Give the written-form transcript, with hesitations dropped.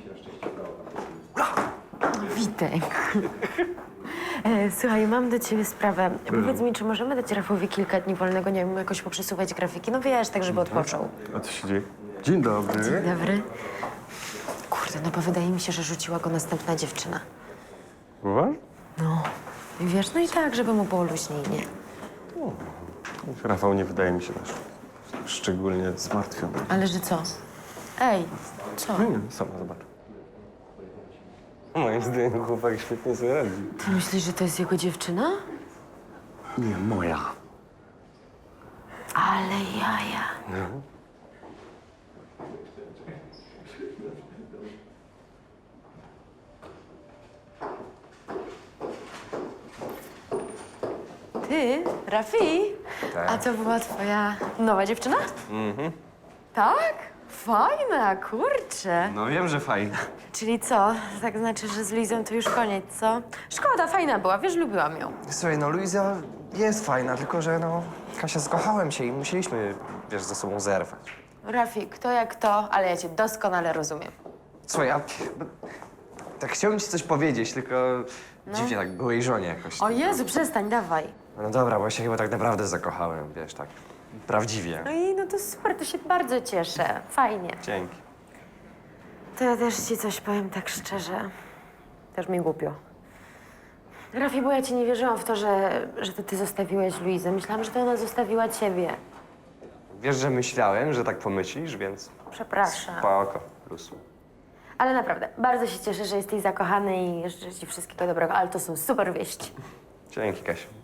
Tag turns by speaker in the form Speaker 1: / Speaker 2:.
Speaker 1: Witek. Słuchaj, mam do ciebie sprawę. Powiedz mi, czy możemy dać Rafowi kilka dni wolnego, nie wiem, jakoś poprzesuwać grafiki? No wiesz, tak żeby odpoczął.
Speaker 2: A co się dzieje? Dzień dobry.
Speaker 1: Dzień dobry. Kurde, no bo wydaje mi się, że rzuciła go następna dziewczyna.
Speaker 2: Uważ?
Speaker 1: No. I wiesz, no i tak, żeby mu było luźniej, nie?
Speaker 2: Rafał nie wydaje mi się też szczególnie zmartwiony.
Speaker 1: Ale że co? Ej, co?
Speaker 2: No nie, sama zobacz. Moim zdaniem chłopak świetnie sobie radzi.
Speaker 1: Ty myślisz, że to jest jego dziewczyna?
Speaker 2: Nie, moja.
Speaker 1: Ale jaja. Ty, Rafi?
Speaker 2: Tak.
Speaker 1: A to była twoja nowa dziewczyna? Tak? Fajna, kurczę.
Speaker 2: No wiem, że fajnie.
Speaker 1: Czyli co? Tak znaczy, że z Luizą to już koniec, co? Szkoda, fajna była, wiesz, lubiłam ją.
Speaker 3: Słuchaj, no Luiza jest fajna, tylko że no... Kasia, zakochałem się i musieliśmy, wiesz, ze sobą zerwać.
Speaker 1: Rafi, kto jak to, ale ja cię doskonale rozumiem.
Speaker 3: Słuchaj, tak chciałbym ci coś powiedzieć, tylko dziwnie tak byłej żonie jakoś.
Speaker 1: O Jezu, przestań, dawaj.
Speaker 3: No dobra, bo ja się chyba tak naprawdę zakochałem, wiesz, tak prawdziwie.
Speaker 1: No i no to super, to się bardzo cieszę. Fajnie.
Speaker 2: Dzięki.
Speaker 1: To ja też ci coś powiem tak szczerze. Też mi głupio. Rafi, bo ja ci nie wierzyłam w to, że to ty zostawiłeś Luizę. Myślałam, że to ona zostawiła ciebie.
Speaker 3: Wiesz, że myślałem, że tak pomyślisz, więc
Speaker 1: Przepraszam.
Speaker 3: spoko, plus.
Speaker 1: Ale naprawdę, bardzo się cieszę, że jesteś zakochany i życzę ci wszystkiego dobrego. Ale to są super wieści.
Speaker 3: Dzięki, Kasia.